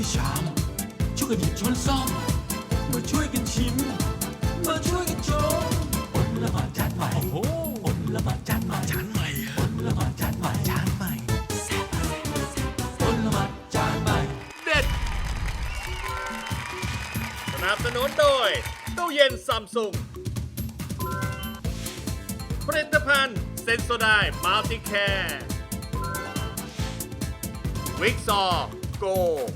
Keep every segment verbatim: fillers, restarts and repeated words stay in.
วยชามช่วยกันหยิบช้อนซ่อมมาช่วยกันชิมมาช่วยกันชมอดละหมาดจานใหม่โอ้อดละหมาดจานใหม่จานใหม่อดละหมาดจานใหม่จานใหม่อดละหมาดจานใหม่เด็ดสนับสนุนโดยตู้เย็นซัมซุงผลิตภัณฑ์เซนโซไดมัลติแคร์วิกซอร์โก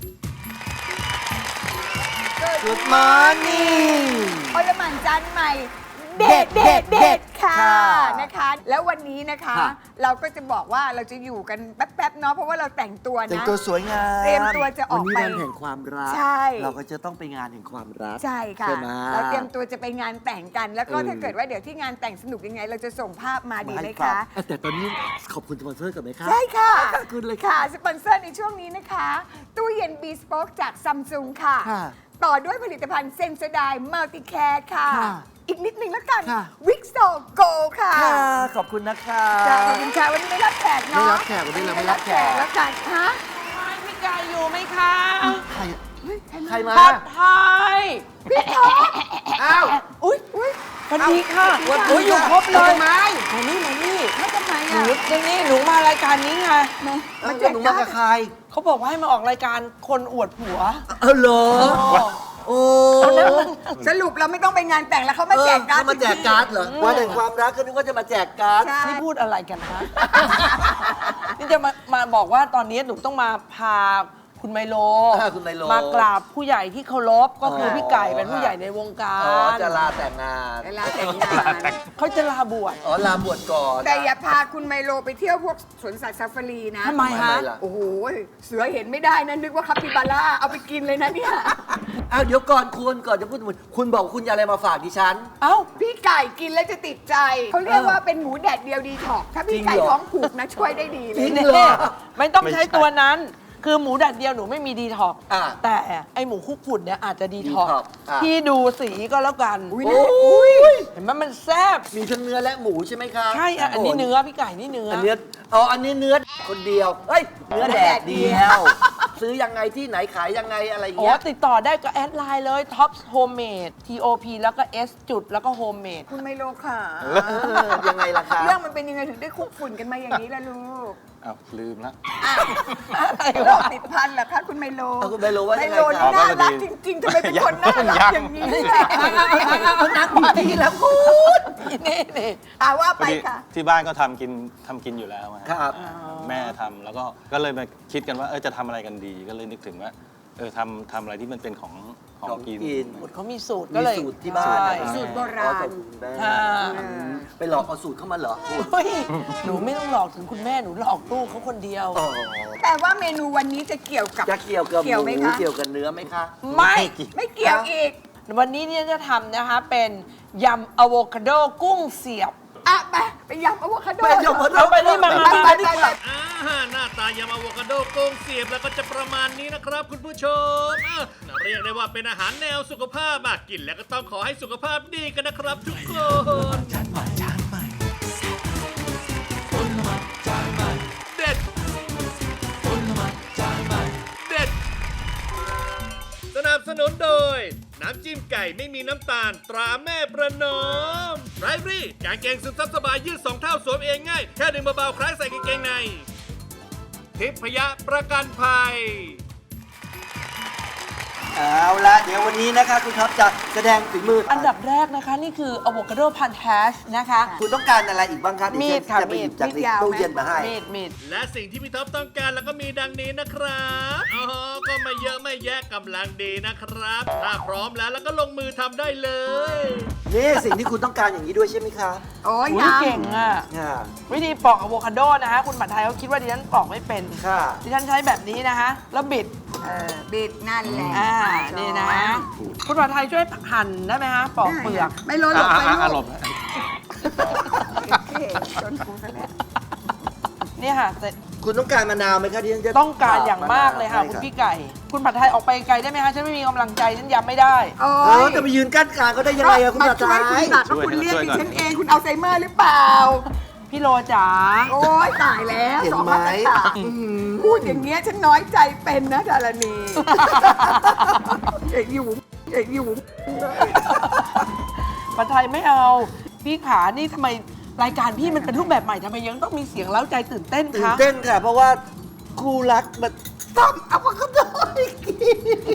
Good morning อลหม่านจานใหม่เด็ดเด็ดเด็ดค่ะค่ะนะคะ แล้ววันนี้นะคะค่ะเราก็จะบอกว่าเราจะอยู่กันแป๊บๆเนาะเพราะว่าเราแต่งตัวนะแต่งตัวสวยงามเตรียมตัวจะออกไปวันนี้วันแห่งความรักใช่เราก็จะต้องไปงานแห่งความรักใช่ค่ะใช่ไหมเราเตรียมตัวจะไปงานแต่งกัน แล้วก็เออถ้าเกิดว่าเดี๋ยวที่งานแต่งสนุกยังไง เราจะส่งภาพมาดีมาไหมให้ฟังคะเอ้ยแต่ตอนนี้ขอบคุณสปอนเซอร์ก่อนไหมคะใช่ค่ะขอบคุณเลยค่ะ สปอนเซอร์ในช่วงนี้นะคะ ตู้เย็น B Spoke จากซัมซุงค่ะค่ะต่อด้วยผลิตภัณฑ์เซน s ไดมัลติแคร์ค่ะค่ะอีกนิดนึงแล้วกันค่ะวิกโซโกค่ะค่ะ ขอบคุณนะคะจ้าขอบคุณค่ะวันนี้ไม่รับแขกเนาะไม่รับแขกวันนี้เราไม่รับแขกแล้วกันฮะพี่ไก่อยู่ไหมคะใครใครมาผัดไทยพี่ท็อปอ้าวอุ้ยอุ้ยสวัสดีค่ะสวัสดีค่ะโอ้ยอยู่ครบเลยทำไมมานี่มานี่แล้วทำไมหอ่ะนูจะนี่หนูมารายการนี้ไงมันจะหนูมากับใครเขาบอกว่าให้มาออกรายการคนอวดผัวเออเหรอโอ้สรุปเราไม่ต้องไปงานแต่งแล้วเขามาแจกการ์ดเออเขามาแจกการ์ดเหรอวันแห่งความรักก็นึกว่าจะมาแจกการ์ดใช่นี่พูดอะไรกันฮะ นี่จะมามาบอกว่าตอนนี้หนูต้องมาพาคุณไมโลอ่าคุณไมโลมากราบผู้ใหญ่ที่เคารพก็คืออ๋อพี่ไก่เป็นผู้ใหญ่ในวงกาอ๋อรจะลาแต่งงานเวลาแต่งงานเขาจะลาบวชอ๋อลาบวชก่อนแต่อย่าพาคุณไมโลไปเที่ยวพวกสวนสัตว์ซาฟารีนะทำไมฮะล่ะโอ้โห เสือเห็นไม่ได้นะนึกว่าคาปิบาร่าเอาไปกินเลยนะเนี่ยอ้าวเดี๋ยวก่อนคุณก่อนจะพูดคุณบอกคุณจะอะไรมาฝากดิฉันเอ้าพี่ไก่กินแล้วจะติดใจ เขาเรียกว่าเป็นหมูแดดเดียวดีท็อกซ์ถ้าพี่ไก่จริงเหรอท้องผูกนะช่วยได้ดีเลจริยงเหรอไม่ต้องใช้ตัวนั้น คือหมูแดดเดียวหนูไม่มีดีท็อกซ์อ่ะแต่ไอหมูคุกฝุ่นเนี่ยอาจจะดีท็อกซ์ detox อ่ะพี่ดูสีก็แล้วกันอุ๊ยโอ้ยเห็นไหมมันแซ่บมีทั้งเนื้อและหมูใช่ไหมคะใช่อ่ะอันนี้เนื้อพี่ไก่นี่เนื้ออัอันเนื้ออ๋ออันนี้เนื้อคนเดียวเอ้ยเนื้อแดดเดียว ซื้อยังไงที่ไหนขายยังไงอะไรอย่างอ๋อเงี้ยติดต่อได้ก็แอดไลน์เลย Tops Homemade T O P แล้วก็ S จุดแล้วก็ Homemade คุณไมโลค่ะเออยังไงล่ะคะเรื่องมันเป็นยังไงถึงได้คุกฝุ่นกันมาอย่างนี้ล่ะลูกอ้าวลืมละอะไรโรวะคติดพันเหรอคะคุณไมโลเอาคุณไมโลว่ายังไงไมโลครันี่บน่ารักจริงๆทำไมเป็นคนน่ารักอย่างนี้ล่ะคุณนักดีแล้วคุณนี่นี่อ่าว่าพไปอดีค่ะที่บ้านก็ทำกินทำกินอยู่แล้วอะครับแม่ทำแล้วก็ก็เลยมาคิดกันว่าเออจะทำอะไรกันดี ก็เลยนึกถึงว่าเออทำทำอะไรที่มันเป็นของของของกินกินเขามีสูตรก็เลยมีสูตรที่บ้านใช่นะสูตรโบราณอ๋อสูตคุณแม่อ่าไปหลอกเอาสูตรเข้ามาเหรอคุณเฮ้ยหนูไม่ต้องหลอกถึงคุณแม่หนูหลอกลูกเขาคนเดียวอ๋อแต่ว่าเมนูวันนี้จะเกี่ยวกับจะเกี่ยวกับหเกี่ยวไหมมูคะเกี่ยวกับเนื้อไหมคะไม่ไม่เกี่ยวอีกวันนี้เนี่ยจะทำนะคะเป็นยำอะโวคาโดกุ้งเสียบอ่ะไปไปยำอะโวคาโดไปยำอะโวคาโดเอาไปนี่มาไปไปไปไปอ่าหน้าตายำอะโวคาโดโกงเสียบแล้วก็จะประมาณนี้นะครับคุณผู้ชมอ่ะเรียกได้ว่าเป็นอาหารแนวสุขภาพอ่ะกินแล้วก็ต้องขอให้สุขภาพดีกันนะครับทุกคนจานใหม่จานใหม่อดละหมาดจานใหม่เด็ดอดละหมาดจานใหม่เด็ด สนับสนุนโดย น้ำจิ้มไก่ไม่มีน้ำตาลตราแม่ประนอมไรฟรี่กางเกงซึมซับสบายยืดสองเท่าสวมเองง่าย แค่ดึงเบาๆคล้ายใส่กางเกงใน ทิพยะประกันภัยเอาละเดี๋ยววันนี้นะคะคุณท็อปจะแสดงฝีมือออันดับแรกนะคะ นี่คืออะโวคาโดพันแทชนะคะคุณต้องการอะไรอีกบ้างครับมีดฉันค่ะจะไปหยิบมีดจากในตู้เย็นมาให้มีดมีดและสิ่งที่พี่ท็อปต้องการแล้วก็มีดังนี้นะครับอ๋อก็ไม่เยอะไม่แยะกำลังดีนะครับ ถ้าพร้อมแล้วแล้วก็ลงมือทำได้เลยนี่สิ่งที่คุณต้องการอย่างนี้ด้วยใช่ไหมคะโอ้ยอุ๊ยยำเก่งอ่ะค่ะวิธีปอกอะโวคาโดนะคะคุณผัดไทยเขาคิดว่าดิฉันปอกไม่เป็นค่ะดิฉันใช้แบบนี้นะคะ แล้วบิดเออบิดนั่นแหละอ่า นี่นะ คุณผัดไทยช่วยหั่นได้ไหมคะ ปอกเปลือกไม่ลดหลบไปอ่ะอ่ะอ่ะหลลูบกเท่จนกูซะแล้วนี่ค่ะเสร็จคุณต้องการมะนาวไหมคะที่ฉันจะต้องการอย่างมากเลยค่ะใช่คุณพี่ไก่ คุณผัดไทยออกไปไกลได้ไหมคะฉันไม่มีกำลังใจฉันยำไม่ได้โอ้เออย จะไปยืนกั้นกลางก็ได้ยังไงอะคุณมาผัดช่วยไทคุณยตัดแล้วคุณเรียกดิฉันเองคุณเอาไซเมอร์หรือเปล่าพี่โลจ๋าโอ้ยตายแล้วเห็นสองไหมมาตรฐานพูดอย่างเงี้ยฉันน้อยใจเป็นนะดารณีเอกอยู่เอกอยู่ปลาไทยไม่เอา พี่ขานี่ทำไมรายการพี่มันเป็นรูปแบบใหม่ทำไมยังต้องมีเสียงเล้าใจตื่นเต้นตื่นคะเต้นค่ะ เพราะว่าคู่รักมันต้องเอามาก็ได้กิน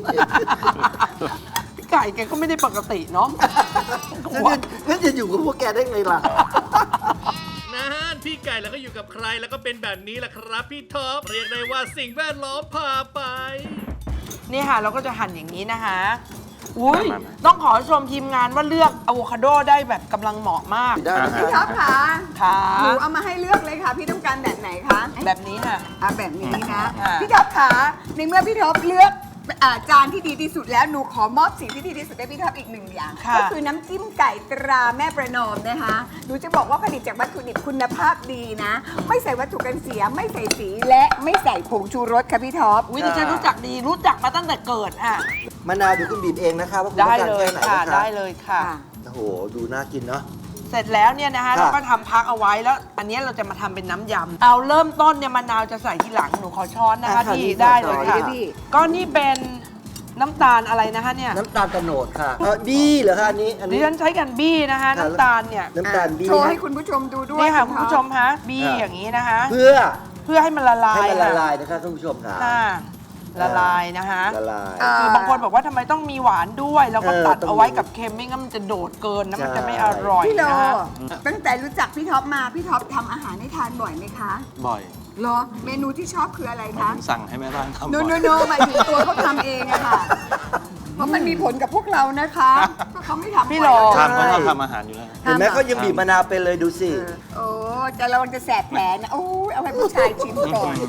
พี่ไก่แกก็ไม่ได้ปกติเนาะงั้นจะอยู่กับพวกแกได้ไงล่ะนะฮะพี่ไก่แล้วก็อยู่กับใครแล้วก็เป็นแบบนี้แหละครับพี่ท็อปเรียกได้ว่าสิ่งแวดล้อมพาไปนี่ค่ะเราก็จะหั่นอย่างนี้นะคะอุ้ยต้องขอชมทีมงานว่าเลือกอะโวคาโดได้แบบกำลังเหมาะมากได้นะพี่ท็คะอปคะค่ะหนูเอามาให้เลือกเลยค่ะ พี่ต้องการแบบไหนคะแบบนี้ค่ะอ่ะแบบนี้นะค่ะพี่ท็อปคะในเมื่อพี่ท็อปเลือกอ่าจานที่ดีที่สุดแล้วหนูขอมอบสิ่งที่ดีที่สุดให้พี่ท็อปอีกหนึ่งอย่างค่ะก็คือน้ำจิ้มไก่ตราแม่ประนอมนะคะหนูจะบอกว่าผลิตจากวัตถุดิบคุณภาพดีนะ ไม่ใส่วัตถุกันเสียไม่ใส่สีและไม่ใส่ผงชูรสค่ะพี่ท็อปวิธีฉันรู้จักดีรู้จักมาตั้งแต่เกิดอ่ะมะนาวเดี๋ยวคุณบีบเองนะคะว่าคุณได้ต้องการเลยแค่ไหนค่ะนะคะได้เลยค่ะค่ะโอ้โห ดูน่ากินเนาะเสร็จแล้วเนี่ยนะคะค่ะเราก็ทำพักเอาไว้แล้ว อันนี้เราจะมาทำเป็นน้ำยำเอาเริ่มต้นเนี่ยมะนาวจะใส่ทีหลังหนูขอช้อนนะคะอ่ะค่ะพี่นี่ได้เลยขอช้อนค่ะเลยพี่ก็นี่เป็นน้ำตาลอะไรนะคะเนี่ยน้ำตาลตะโนดค่ะเออบี้เหรอคะอันนี้ อันดินี้ฉันใช้กันบี้นะคะค่ะน้ำตาลเนี่ยน้ำตาลบี้โชว์นะให้คุณผู้ชมดูด้วยนี่ค่ะณคุณท็อปผู้ชมคะบี้ค่ะอย่างนี้นะคะเพื่อเพื่อให้มันละลายให้มันละค่ะลายนะคะท่านผู้ชมค่ะค่ะละลายนะคะละลายอ่าคือบางคนบอกว่าทำไมต้องมีหวานด้วย แล้วก็เออตัดต้องเอาไว้กับเค็มไม่งั้นมันจะโดดเกินนะมันใช่จะไม่อร่อยพี่โลนะคะตั้งแต่รู้จักพี่ท็อปมาพี่ท็อปทำอาหารให้ทานบ่อยไหมคะบ่อยเหรอเมนูที่ชอบคืออะไรหมายคะถึงสั่งให้แม่บ้านทำโนบ่อยโนโนหมายถึงตัวเขาทำเองอะค่ะ เพราะมันมีผลกับพวกเรานะคะเพราะเขาไม่ทำพี่โลทำเขาชอบทำอาหารอยู่แล้วเห็นไหมเขายังบีบมะนาวเป็นเลยดูสิเออโอ้จะระวังจะแสบแผลนะโอ้ยเอาให้ผู้ชายชิมก่อน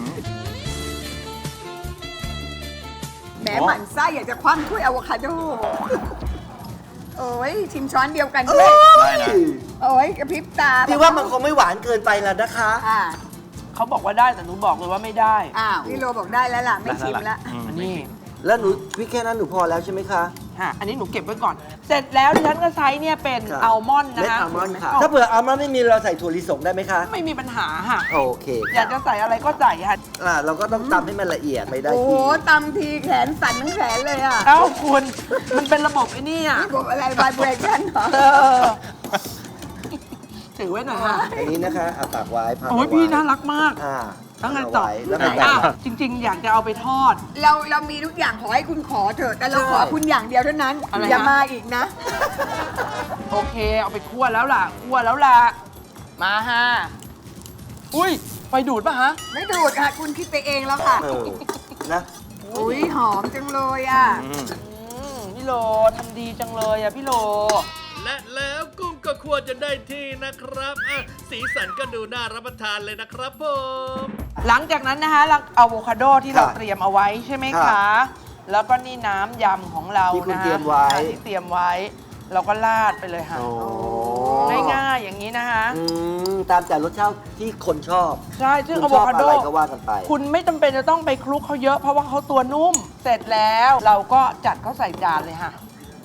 แหมหมั่นไส้อยากจะคว่ำถ้วยอะโวคาโดโอ้ยชิมช้อนเดียวกันด้วยได้นะโอ้ยกระพริบตาพี่ว่ามันคงไม่หวานเกินไปแล้วนะคะอ่าเขาบอกว่าได้แต่หนูบอกเลยว่าไม่ได้อ้าวพี่โลบอกได้แล้วล่ะไม่ชิมแล้วอืมอันนี้แล้วหนูพี่แค่นั้นหนูพอแล้วใช่ไหมคะค่ะอันนี้หนูเก็บไว้ก่อน เสร็จแล้วดิฉันก็ใช้เนี่ยเป็นค่ะอัลมอนด์นะเม็ดคะอัลมอนด์ค่ะ ถ้าเผื่ออัลมอนด์ไม่มีเราใส่ถั่วลิสงได้ไหมคะไม่มีปัญหาค่ะโอเคอยากจะใส่อะไรก็ใส่ค่ะอ่าเราก็ต้องตำให้มันละเอียดไม่ได้โอ้โหที่ตำทีแขนสั่นทั้งแขนเลยอ่ะเอ้าคุณ มันเป็นระบบไอ้นี่อ่ะระบบอะไรไวเบรชั่นเหรอเออถือไว้หน่อยค่ะอันนี้นะคะเอาปากไว้พักโอ้ยเาไว้พี่น่ารักมากอ่าแล้วไงเอาต่อไว้แล้วไงอ่ะต่อจริง ๆ อยากจะเอาไปทอดเราเรามีทุกอย่างขอให้คุณขอเถอะ แต่เราขอคุณอย่างเดียวเท่านั้นอะไรนะอย่ามาอีกนะโอเค เอาไปคั่วแล้วล่ะคั่วแล้วล่ะ มาฮะอุ้ยไฟดูดป่ะฮะไม่ดูดค่ะ คุณคิดไปเองแล้วค่ะเออนะอุ้ยหอมจังเลยอ่ะอืมอืมพี่โลทำดีจังเลยอ่ะพี่โลและแล้วกุ้งก็ควรจะได้ที่นะครับอ่ะสีสันก็ดูน่ารับประทานเลยนะครับผมหลังจากนั้นนะคะเราอะโวคาโดที่เราค่ะเตรียมเอาไว้ใช่ไหมค่ะคะ แล้วก็นี่น้ำยำของเราที่คุณนะเตรีคะยมไว้อ่ะที่เตรียมไว้ เราก็ราดไปเลยค่ะโอ้ง่ายๆอย่างนี้นะคะอืมตามแต่รสชาติที่คนชอบใช่ซึ่งคุอะณโวชอบคาโดอะไรก็ว่ากันไปคุณไม่จำเป็นจะต้องไปคลุกเขาเยอะเพราะว่าเขาตัวนุ่ม เสร็จแล้วเราก็จัดเขาใส่จานเลยค่ะ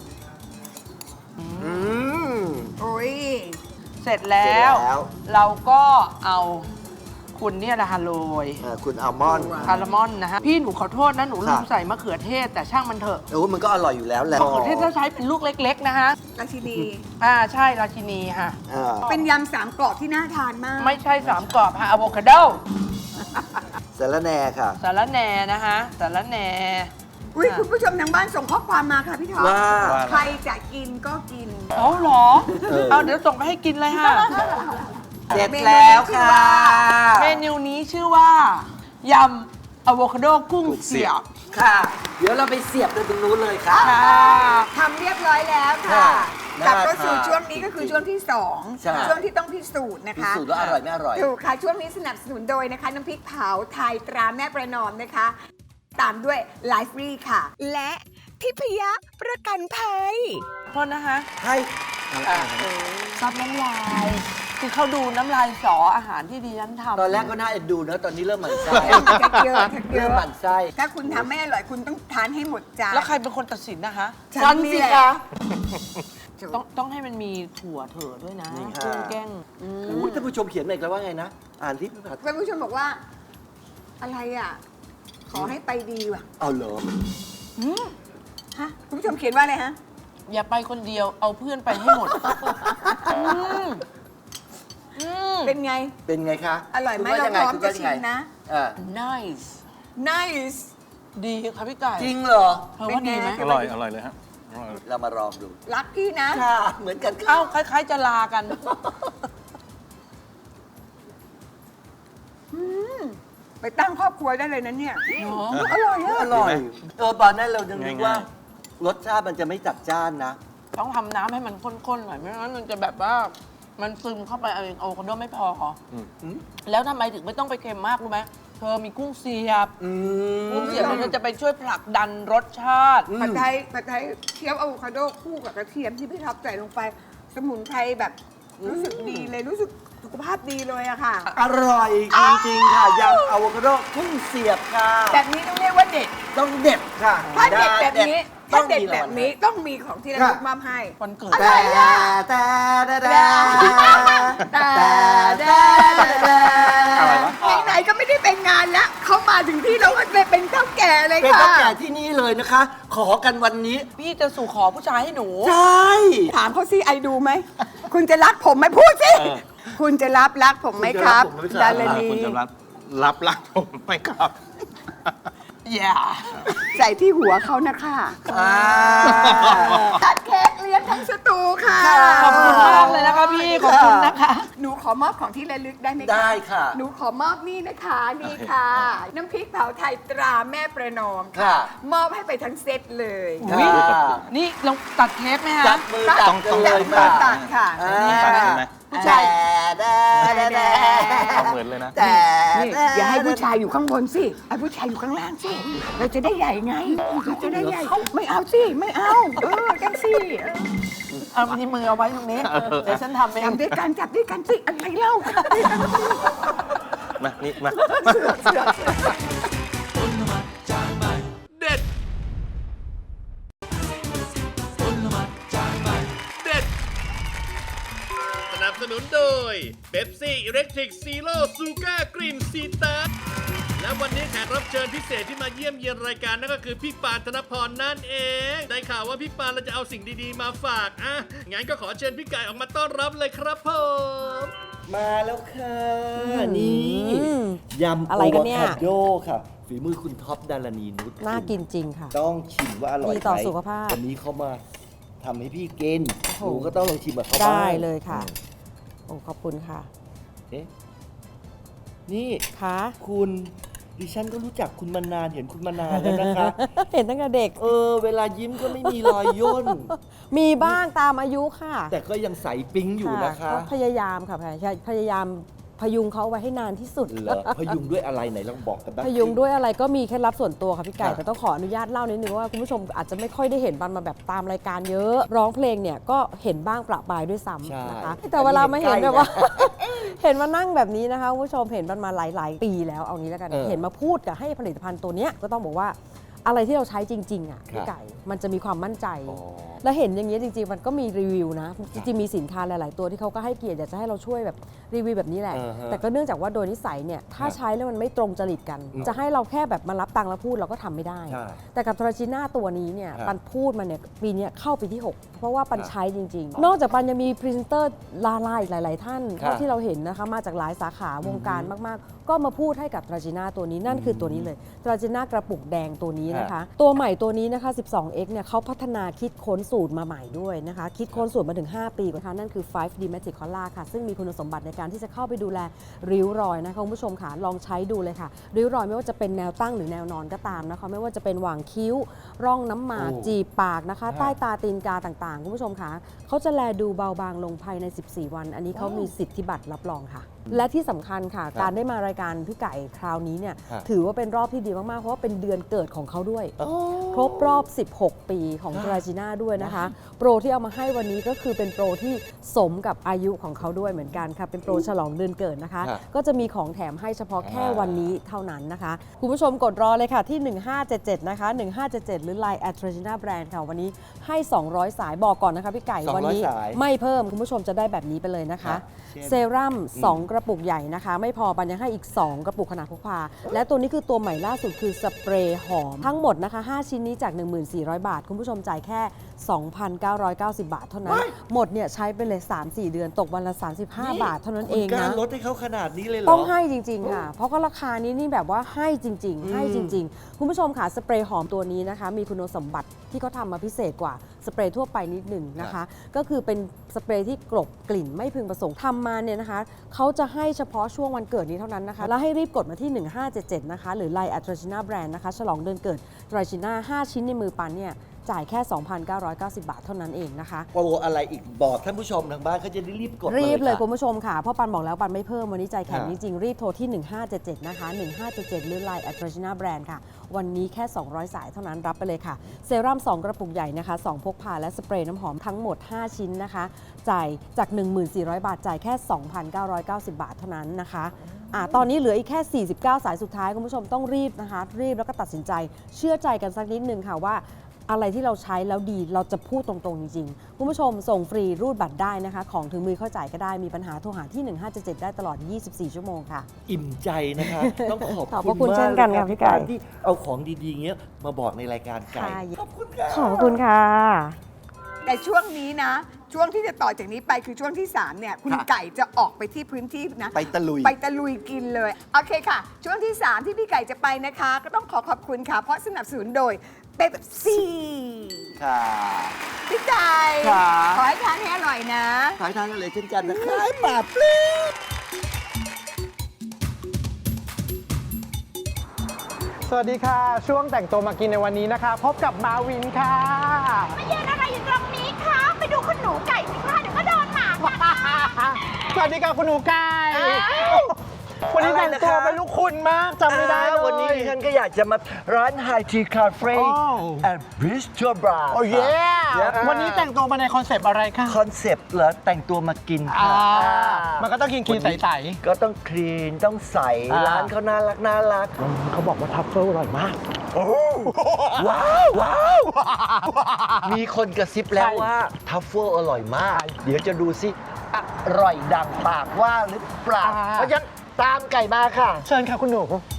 อืมโอ้ยเสร็จแล้วเสร็จแล้วเราก็เอาคุณเนี่ยนะคะโรยเอ่อคุณอัลมอนด์คาร์ามอนนะคะพี่หนูขอโทษนะหนูลืมค่ะใส่มะเขือเทศแต่ช่างมันเถอะโอ้มันก็อร่อยอยู่แล้วแหละมะเขือเทศถ้าใช้เป็นลูกเล็ก ๆ นะคะราชินีอ่าใช่ราชินีค่ะอ่าเป็นยำสามกรอบที่น่าทานมากไม่ใช่สามกรอบค่ะอะโวคาโดสาระแหน่ค่ะสาระแหน่นะคะสาระแหน่อุ้ยคุณผู้ชมทางบ้านส่งข้อความมาค่ะพี่ท็อปว่าว่าใครจะกินก็กินเอาเหรอเออเอาเดี๋ยวส่งไปให้กินเลยค่ะเสร็จแล้วค่ะเมนูนี้ชื่อว่ายำอะโวคาโดกุ้งเสียบค่ะ เดี๋ยวเราไปเสียบกันตรงนู้นเลยค่ะค่ะทำเรียบร้อยแล้วค่ะค่ะกลับเข้าน่าทานสู่ช่วงนี้ก็คือช่วงที่สองใช่ช่วงที่ต้องพิสูจน์นะพิคะสูจน์ว่าอร่อยไม่อร่อยถูกค่ะ ช่วงนี้สนับสนุนโดยนะคะ น้ำพริกเผาไทยตราแม่ประนอมนะคะ ตามด้วยไลฟ์รีค่ะ และทิพยประกันภัยโทษนะคะให้ซับน้ำลาย คือเขาดูน้ำลายสออาหารที่ดิฉันทำตอนแรกก็น่าเอ็นดูนะ ตอนนี้เริ่มหมั่นไส้ทักเยอะทักเยเริ่มอะหมั่นไส้ถ้าคุณทำไม่อร่อยคุณต้องทานให้หมดจานแล้วใครเป็นคนตัดสินนะคะฉันนี่แหละต้องต้องให้มันมีถั่วเถอะด้วยนะนี่ค่ะกุ้งแก้งอุ้ยท่านผู้ชมเขียนมาอีกแล้วว่าไงนะ อ่านที่พี่ผัดท่านผู้ชมบอกว่า อะไรอ่ะ ขอให้ไปดีว่ะเอาเหรอฮะคุณผู้ชมเขียนว่าอะไรฮะอย่าไปคนเดียวเอาเพื่อนไปให้หมดอืมอืมเป็นไงเป็นไงคะอร่อยไหมคุณเราว่ายังไงพร้อมคุณจะว่ายังชิไงมนะอ่า nice nice ดีค่ะพี่ไก่จริงเหรอเธอว่าดีไหมเป็นอไงร่อยอร่อยเลยฮะอร่อยเรามาลองดูรักพี่นะค่ะ เหมือนกันเอ้าค่ะคล้ายๆจะลากันไปตั้งครอบครัวได้เลยนะเนี่ยเนาะอร่อยอะอร่อย เออตอนนั้นเรายังนึกว่าง่ายรสชาติมันจะไม่จัดจ้านนะต้องทำน้ำให้มันข้นๆหน่อยไม่งั้นมันจะแบบว่ามันซึมเข้าไปเอาเองอะโวคาโดไม่พออืมแล้วทำไมถึงไม่ต้องไปเค็มมากรู้ไหมเธอมีกุ้งเสียบอืมกุ้งเสียบมันจะไปช่วยผลักดันรสชาติผัดไทยผัดไทยเคี่ยวอะโวคาโดคู่กับกระเทียมที่พี่ท็อปใส่ลงไป สมุนไพรแบบรู้สึกดีเลยรู้สึกสุขภาพดีเลยอะค่ะอร่อยจริงๆค่ะยำอะโวคาโดกุ้งเสียบค่ะแบบนี้ต้องเรียกว่าเด็ดต้องเด็ดค่ะถ้าเด็ดแบบนี้ต้ถ้าองเด็ดมีแบบนี้ต้องมีของที่ระลึกมอบให้วันเกิดแต่แต่แต่แต่แต่แต่แต่อะไรวะไหนๆก็ไม่ได้เป็นงานแล้วเขามาถึงที่เราก็เลยเป็นเจ้าแก่เลยเป็นค่ะตั้งแต่ที่นี่เลยนะคะ ขอกันวันนี้พี่จะสู่ขอผู้ชายให้หนูใช่ถามเขาสิไอดูไหม คุณจะรักผมไหมพูดสิเออคุณจะรับรักผมไหมครับคุณจะรับผมไหมครับดารณีคุณจะรับรับรักผมไหมครับอย่าใส่ที่หัวเขานะคะอ่าตัดเค้กเลี้ยงทั้งสตูค่ะขอบคุณมากเลยนะคะพี่ ขอบคุณนะคะหนูขอมอบของที่ระลึกได้ไหมคะได้ค่ะหนูขอมอบนี่นะคะนี่ค่ะ น้ำพริกเผาไทยตราแม่ประนอมค่ะมอบให้ไปทั้งเซตเลยอุ๊ยค่ะนี่เราตัดเค้กไหมจัฮะบมือจับกันเลยจัค่ะบตัดค่ะอ่านี่ตัดค่ะใช่ไหมผู้ชายแต่แต่แต่เอาเหมือนเลยนะแต่นี่อย่าให้ผู้ชายอยู่ข้างบนสิให้ผู้ชายอยู่ข้างล่างสิ เราจะได้ใหญ่ไง เราจะได้ใหญ่ ไม่เอาสิ ไม่เอา เออจังสิเออเอาทีมือเอาไว้ตรงนี้ เดี๋ยวฉันทำเองจับด้วยกันจับด้วยกันสิ อะไรเล่ามา นี่ มาคนละหมาดจานใหม่เด็ดคนละหมาดจานใหม่เด็ด สนับสนุนโดยเบปซี่อิเล็กทริกซีโร่ซูก้ากรีนซีตัสและวันนี้แขกรับเชิญพิเศษที่มาเยี่ยมเยียนรายการนั่นก็คือพี่ปานธนพรนั่นเอง ได้ข่าวว่าพี่ปานเราจะเอาสิ่งดีๆมาฝากอ่ะงั้นก็ขอเชิญพี่ไก่ออกมาต้อนรับเลยครับผมมาแล้วค่ะ นี่ยำอะไรกันเนี่ยโอวาคาโดค่ะ ฝีมือคุณท็อปดารณีนุชน่ากินจริงค่ะต้องชิมว่าอร่อยดีต่อไหมสุขภาพวันนี้เขามาทำให้พี่กินโอ้โหหนูก็ต้องลองชิมกับเขาบ้างได้เลยค่ะ โอ้ขอบคุณค่ะเอ๊ะนี่ค่ะคุณดิฉันก็รู้จักคุณมานานเห็นคุณมานานแล้วนะคะเห็นตั้งแต่เด็กเออ เวลายิ้มก็ไม่มีรอยย่นมีบ้างตามอายุค่ะแต่ก็ยังใสปิ๊งอยู่นะคะก็พยายามค่ะพยายามพยุงเขาไว้ให้นานที่สุดเหรอพยุงด้วยอะไรไหนลองบอกกันบ้างพยุงด้วยอะไรก็มีเคล็ดลับส่วนตัวค่ะพี่ไก่ค่ะแต่ต้องขออนุญาตเล่านิดนึงว่าคุณผู้ชมอาจจะไม่ค่อยได้เห็นบันมาแบบตามรายการเยอะ ร้องเพลงเนี่ยก็เห็นบ้างประปรายด้วยซ้ำนะคะแต่เวลามาเห็นแบบว่า เห็นมานั่งแบบนี้นะคะคุณผู้ชมเห็นมันมาหลาย ๆ ปีแล้วเอางี้แล้วกันเออเห็นมาพูดกับให้ผลิตภัณฑ์ตัวเนี้ยก็ต้องบอกว่าอะไรที่เราใช้จริงๆอ่ะพี่ครับไก่มันจะมีความมั่นใจอ๋อแล้วเห็นอย่างนี้ยจริง ๆ มันก็มีรีวิวนะจริงๆมีสินค้าหลาย ๆ ตัวที่เขาก็ให้เกียรติอยากจะให้เราช่วยแบบรีวิวแบบนี้แหละอ่าฮะแต่ก็เนื่องจากว่าโดยนิสัยเนี่ยถ้าครับใช้แล้วมันไม่ตรงจริตกันอืมจะให้เราแค่แบบมารับตังค์แล้วพูดเราก็ทำไม่ได้ใช่แต่กับทราชิน่าตัวนี้เนี่ยครับปันพูดมาเนี่ยปีเนี้ยเข้าปีที่หกเพราะว่าปันครับใช้จริง ๆ นอกจากปันยังมีพรีเซนเตอร์ลาลาอีกหลาย ๆ ท่านครับเท่าที่เราเห็นนะคะมาจากหลายสาขาวงการมาก ๆ ก็มาพูดให้กับทราชิน่าตัวนี้นั่นคือตัวนี้เลยทราชิน่ากระปุกแดงตัวนี้นะคะ ตัวใหม่ตัวนี้นะคะ สิบสองเอ็กซ์ เนี่ยเขาพัฒนาคิดค้นสูตรมาใหม่ด้วยนะคะ คิดค้นสูตรมาถึง ห้า ปีนะคะนั่นคือ ไฟว์ ดี Magic Color ค่ะ ซึ่งมีคุณสมบัติในการที่จะเข้าไปดูแลริ้วรอยนะคะคุณผู้ชมค่ะลองใช้ดูเลยค่ะ ริ้วรอยไม่ว่าจะเป็นแนวตั้งหรือแนวนอนก็ตามนะคะไม่ว่าจะเป็นหว่างคิ้ว ร่องน้ำหมากโอ้จีบปากนะคะฮะใต้ตาตีนกาต่างๆ คุณผู้ชมค่ะเขาจะแลดูเบาบางลงภายใน สิบสี่ วัน อันนี้เขามีสิทธิบัตรรับรองค่ะและที่สำคัญค่ะ การได้มารายการพี่ไก่คราวนี้เนี่ยฮะถือว่าเป็นรอบที่ดีมาก ๆ เพราะว่าเป็นเดือนเกิดของเขาด้วย ครบรอบ สิบหก ปีของทราจิน่าด้วยนะคะ โปรที่เอามาให้วันนี้ก็คือเป็นโปรที่สมกับอายุของเขาด้วยเหมือนกันค่ะ เป็นโปรฉลองเดือนเกิดนะคะฮะก็จะมีของแถมให้เฉพาะแค่วันนี้เท่านั้นนะคะ คุณผู้ชมกดรอเลยค่ะที่ หนึ่งห้าเจ็ดเจ็ด นะคะ หนึ่งห้าเจ็ดเจ็ด หรือ ไลน์ แอท ทราจิน่า แบรนด์ ค่ะ วันนี้ให้ สองร้อย สายบอกก่อนนะคะพี่ไก่สองร้อยวันี้สายไม่เพิ่มคุณผู้ชมจะได้แบบนี้ไปเลยนะคะครับเช่นเซรั่มสองกระปุกใหญ่นะคะ ไม่พอปันยังให้อีก สอง กระปุกขนาดพกพา และตัวนี้คือตัวใหม่ล่าสุดคือสเปรย์หอม ทั้งหมดนะคะ ห้า ชิ้นนี้จาก หนึ่งพันสี่ร้อย บาท คุณผู้ชมจ่ายแค่ สองพันเก้าร้อยเก้าสิบ บาทเท่านั้น หมดเนี่ยใช้ไปเลย สามสี่ เดือนตกวันละ สามสิบห้า บาทเท่านั้นเองคุณกล้านะลดให้เขาขนาดนี้เลยเหรอต้องให้จริง ๆ ค่ะ เพราะก็ราคานี้นี่แบบว่าให้จริง ๆ ให้จริง ๆ คุณผู้ชมค่ะสเปรย์หอมตัวนี้นะคะ มีคุณสมบัติที่เขาทำมาพิเศษกว่าสเปรย์ทั่วไปนิดหนึ่งนะคะ ก็คือเป็นสเปรย์ที่กลบกลิ่นไม่พึงประสงค์ทำมาเนี่ยนะคะเขาจะให้เฉพาะช่วงวันเกิดนี้เท่านั้นนะคะ แล้วให้รีบกดมาที่ หนึ่งห้าเจ็ดเจ็ด นะคะ หรือ ไลน์ แอท ทราจิน่า แบรนด์ นะคะ ฉลองเดือนเกิดทราจิน่า ห้า ชิ้นในมือปันเนี่ยจ่ายแค่ สองพันเก้าร้อยเก้าสิบ บาทเท่านั้นเองนะคะโปรอะไรอีกบอกท่านผู้ชมทางบ้านเขาจะได้รีบกดมารีบเลยค่ะคุณผู้ชมค่ะ เพราะปันบอกแล้วปันไม่เพิ่ม วันนี้ใจแข็งค่ะจริงๆ รีบโทรที่ หนึ่งห้าเจ็ดเจ็ด นะคะ หนึ่งห้าเจ็ดเจ็ด หรือ ไลน์ แอท ทราจิน่า แบรนด์ ค่ะ วันนี้แค่ สองร้อย สายเท่านั้นรับไปเลยค่ะ เซรั่ม สอง กระปุกใหญ่นะคะ สอง พกพาและสเปรย์น้ำหอมทั้งหมด ห้า ชิ้นนะคะ จ่ายจาก หนึ่งพันสี่ร้อย บาท จ่ายแค่ สองพันเก้าร้อยเก้าสิบ บาทเท่านั้นนะคะอ่าตอนนี้เหลืออีกแค่ สี่สิบเก้า สายสุดท้ายคุณผู้ชมต้องรีบนะคะ รีบแล้วก็ตัดสินใจเชื่อใจกันสักนิดนึงค่ะว่า อะไรที่เราใช้แล้วดีเราจะพูดตรงๆจริงๆคุณผู้ชมส่งฟรีรูดบัตรได้นะคะ ของถึงมือเข้าจ่ายก็ได้มีปัญหาโทรหาที่ หนึ่งห้าเจ็ดเจ็ด ได้ตลอด ยี่สิบสี่ ชั่วโมงค่ะอิ่มใจนะคะ ต้องขอบขอบพคุระณคุณมากเช่นกันเลยค่ะพี่ไก่ที่เอาของดีๆเงี้ยมาบอกในรายการไก่ค่ะขอบคุณค่ะขอบคุณค่ะแต่ช่วงนี้นะ ช่วงที่จะต่อจากนี้ไปคือช่วงที่สามเนี่ยคุณค่ะไก่จะออกไปที่พื้นที่นะไปตะลุยไปตะลุยกินเลย โอเคค่ะ ช่วงที่สามที่พี่ไก่จะไปนะคะ ก็ต้องขอขอบคุณค่ะ เพราะสนับสนุนโดยเป๊ปซี่ค่ะพี่ไก่ค่ะขอให้ทานให้อร่อยนะขายทานกันเลยเช่นกันนะคะปราบปลื้มสวัสดีค่ะ ช่วงแต่งตัวมากินในวันนี้นะคะ พบกับมาวินค่ะมายืนอะไรอยู่ตรงนี้คะ ไปดูคุณหนูไก่สิคะเดี๋ยวก็โดนหมากัดนะสวัสดีค่ะคุณหนูไก่วันนี้แต่งตัวเป็นลูกคุณมากจำไม่ได้เลยวันนี้ดิฉันก็อยากจะมาร้านไฮทีคาเฟ่โอ้แอนด์บริสโตบราโอ้เย่วันนี้แต่งตัวมาในคอนเซปต์อะไรคะคอนเซปต์เหรอแต่งตัวมากินอ่าค่ะมันก็ต้องกินกินใสก็ต้องคลีนต้องใสอ่าร้านเขาน่ารักน่ารักๆเขาบอกว่าทัฟเฟิลอร่อยมากว้าวว้าวมีคนกระซิบแล้วใช่ว่าทัฟเฟิลอร่อยมาก เดี๋ยวจะดูสิอร่อยดังปากว่าหรือเปล่าอ่าเพราะฉะนั้นตามไก่มาค่ะเชิญค่ะคุณหนู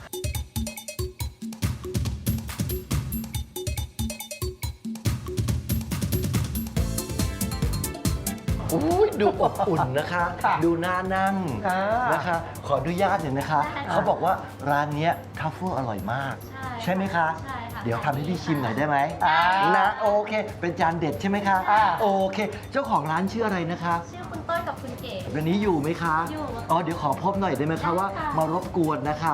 อุ้ยดูอบอุ่นนะคะค่ะดูน่านั่งอ่านนะคะ ขออนุญาตหน่อยนะคะ เขาบอกว่าร้านเนี้ยทัฟเฟิลอร่อยมาก ใช่ไหมคะใช่ค่ะเดี๋ยวทำให้พี่ชิมหน่อยได้ไหมอ่านะโอเค เป็นจานเด็ดใช่ไหมคะอ่าโอเค เจ้าของร้านชื่ออะไรนะคะชื่อคุณต้นกับคุณเก๋วันนี้อยู่ไหมคะอยู่อ๋อเดี๋ยวขอพบหน่อยได้ไหมคะว่าได้ค่ะมารบกวนนะคะ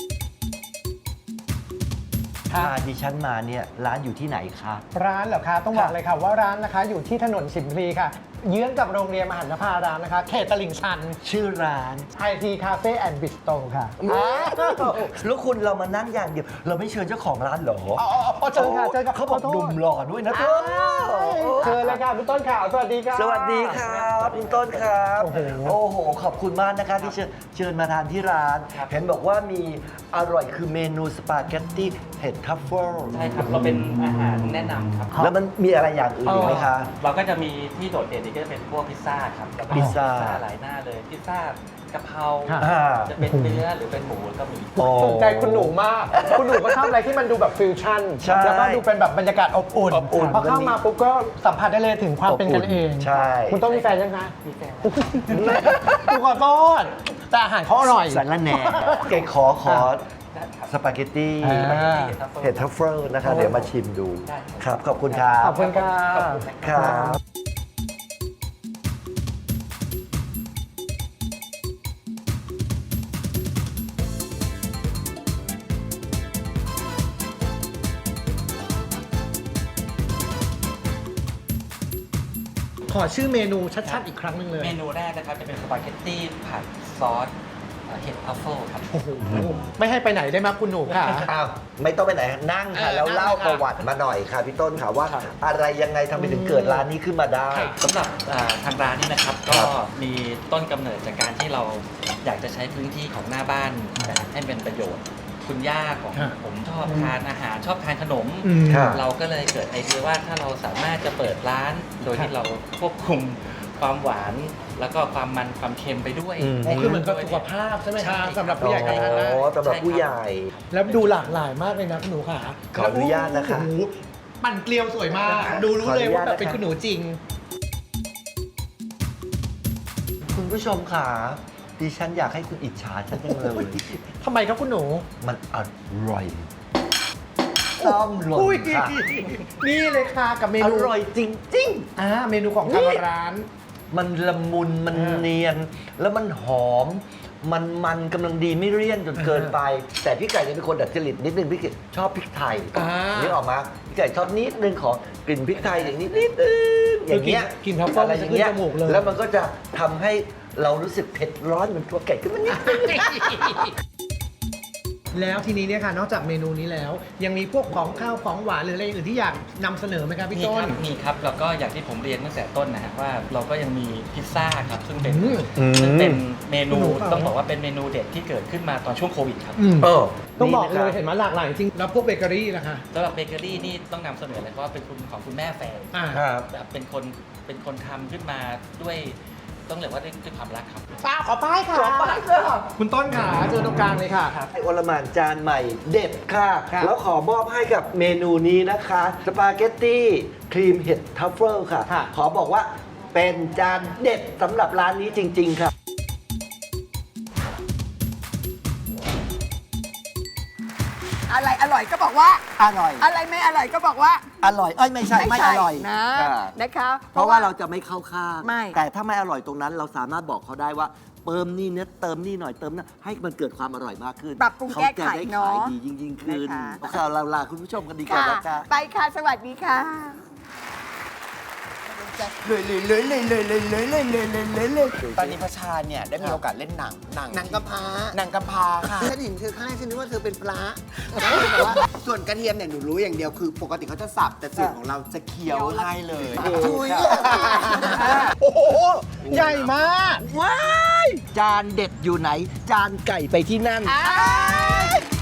พาดิฉันมาเนี่ยร้านอยู่ที่ไหนคะร้านเหรอคะต้องบอกเลยค่ะว่าร้านนะคะอยู่ที่ถนนสิมพลีค่ะ เยื้องกับโรงเรียนมหันตภารามนะคะ เขตตลิ่งชันชื่อร้านไอทีคาเฟ่แอนด์บิสโตค่ะอ้าวแล้วคุณเรามานั่งอย่างเดียว เราไม่เชิญเจ้าของร้านเหรออ๋ออ๋ออ๋อเชิญค่ะเชิญค่ะเขาบอกขอโทษดุมหล่อด้วยนะเธอเชิญเลยค่ะคุณต้นข่าวสวัสดีค่ะสวัสดีครับคุณต้นครับโอ้โหโอ้โห ขอบคุณมากนะคะที่เชิญเชิญมาทานที่ร้าน เห็นบอกว่ามีอร่อยคือเมนูสปาเกตตี้เห็ดทัฟเฟิลใช่ครับ เราเป็นอาหารแนะนำครับแล้วมันมีอะไรอย่างอื่นอีกไหมคะเราก็จะมีที่โดดเด่นนี่ก็จะเป็นพวกพิซซ่าครับแล้วก็พิซซ่าหลายหน้าเลย พิซซ่ากะเพราอ่าจะเป็นเนื้อหรือเป็นหมูก็มีโอ้สนใจคุณหนูมาก คุณหนูก็ชอบอะไรที่มันดูแบบฟิวชั่นใช่แล้วก็ดูเป็นแบบบรรยากาศอบอุ่นอบอุ่นพอเข้ามาปุ๊บก็สัมผัสได้เลยถึงความเป็นกันเองใช่คุณต้องมีแฟนยังคะมีแฟนคุณขอโทษแต่อาหารเขาอร่อยสารแหน่เกขอขอสปาเกตตี้อ่าเห็ดทัฟเฟิลนะคะ เดี๋ยวมาชิมดู ครับ ขอบคุณครับขอบคุณค่ะครับขอชื่อเมนูชัดๆอีกครั้งหนึ่งเลยเมนูแรกนะครับจะเป็นสปาเกตตี้ผัดซอสเอ่อเห็ดทัฟเฟิลครับโอ้โหไม่ให้ไปไหนได้ไหมคุณหนูค่ะอ้าวไม่ต้องไปไหนนั่งค่ะเออแล้วนั่งเล่าเลยค่ะประวัติมาหน่อยค่ะพี่ต้นค่ะว่าครับอะไรยังไงทำไมถึงเกิดร้านนี้ขึ้นมาได้สำหรับอ่าทางร้านนี่นะครับครัก็บมีต้นกำเนิดจากการที่เราอยากจะใช้พื้นที่ของหน้าบ้านแบบให้เป็นประโยชน์ คุณย่าของครับผมชอบทานอาหารชอบทานขนมอืมครับเราก็เลยเกิดไอเดียว่าถ้าเราสามารถจะเปิดร้าน โดยที่เราควบคุมความหวาน แล้วก็ความมันความเค็มไปด้วยอืมอ๋อคือเหมือนกับสุขภาพใช่ไหมใช่คะครับสำหรับผู้ใหญ่ก็ทานได้อ๋อสำหรับผู้ใหญ่แล้วดูหลากหลายมากเลยนะคุณหนูค่ะขออนุญาตนะคะโอ้โหปั่นเกลียวสวยมาก ดูรู้เลยว่าแบบเป็นคุณหนูจริงคุณผู้ชมค่ะดิฉันอยากให้คุณอิจฉาฉันจังเลยทำไมครับคุณหนูมันอร่อยต้อมหล่นอุ้ยค่ะนี่เลยค่ะกับเมอนูร่อยจริงอ่าเมนูของทางร้านๆ มันละมุนมันอ่าเนียน แล้วมันหอม มันมันกำลังดีไม่เลี่ยนจนเกินไป แต่พี่ไก่เนี่ยเป็นคนดัดจริตนิดนึงพี่ไก่ชอบพริกไทยอ่านี่ออกมาพี่ไก่ชอบนิดนึงของกลิ่นพริกไทยอย่างนี้นิดนึงอย่างเงี้ยกินทัฟเฟิลอะไรมันอจะย่างขึ้นเงี้ยจมูกเลยแล้วมันก็จะทำให้เรารู้สึกเผ็ดร้อนเหมือนตัวไก่ขึ้นมานิดนึงแล้วทีนี้เนี่ยค่ะนอกจากเมนูนี้แล้ว ยังมีพวกของข้าวของหวานหรืออะไรอื่นที่อยากนำเสนอไหมครับพี่มีต้คน รับมีครับแล้วก็อย่างที่ผมเรียนตั้งแต่ต้นนะฮะว่าเราก็ยังมีพิซซ่าครับซึ่งเป็นอืมซึ่งเป็นเมนูหนูเปล่าต้องบอกว่าเป็นเมนูเด็ดที่เกิดขึ้นมาตอนช่วงโควิดครับอืมเออต้องบอกนี่เลนะยครับเห็นไหมหลากหลายจริงแล้วพวกเบเกอรี่ล่ะคะสำหรับเบเกอรี่นี่ต้องนำเสนอเลยเพราะว่าเป็นคุณของคุณแม่แฟนอ่าครับแบบเป็นคนเป็นคนทำขึ้นมาด้วยต้องเรียกว่าด้วยด้วยความรักครับป้าขอป้ายค่ะขอป้ายค่ะคุณต้นค่ะเจอตรงกลางเลยค่ะไอโอลหม่านจานใหม่เด็ดค่ะครับแล้วขอมอบให้กับเมนูนี้นะคะ สปาเกตตี้ครีมเห็ดทัฟเฟิลค่ะค่ะขอบอกว่าเป็นจานเด็ดสำหรับร้านนี้จริง ๆ ค่ะอะไรอร่อยก็บอกว่าอร่อยอะไรไม่อร่อยก็บอกว่าอร่อย เอ้ยไม่ใช่ ไม่อร่อยนะอ่านะคะเพราะว่าเราจะไม่เข้าข้างไม่แต่ถ้าไม่อร่อยตรงนั้น เราสามารถบอกเขาได้ว่าเติมนี่เนี้ยเติมนี่หน่อยเติมนะให้มันเกิดความอร่อยมากขึ้นปรับปรุงเขาแก้จะไขได้เนาะขายดียิ่งๆขึ้นนะคะโอเคเราลาคุณผู้ชมกันดีกว่าค่ะนะคะไปค่ะ สวัสดีค่ะเลยเลยเลยเลยเลยเลยเลยเลยเลยเลยเลยตอนนี้พระชาเนี่ยได้มีโอกาสเล่นหนังหนังหนังกำพร้าหนังกำพร้าค่ะฉันเห็นเธอข้างแรกฉันนึกว่าเธอเป็นพระแล้วก็แบบว่าส่วนกระเทียมเนี่ยหนูรู้อย่างเดียวคือปกติเขาจะสับแต่ส่วนของเราจะเคี้ยวให้เลยทุยโอ้โหใหญ่มากว้าย จานเด็ดอยู่ไหน จานไก่ไปที่นั่น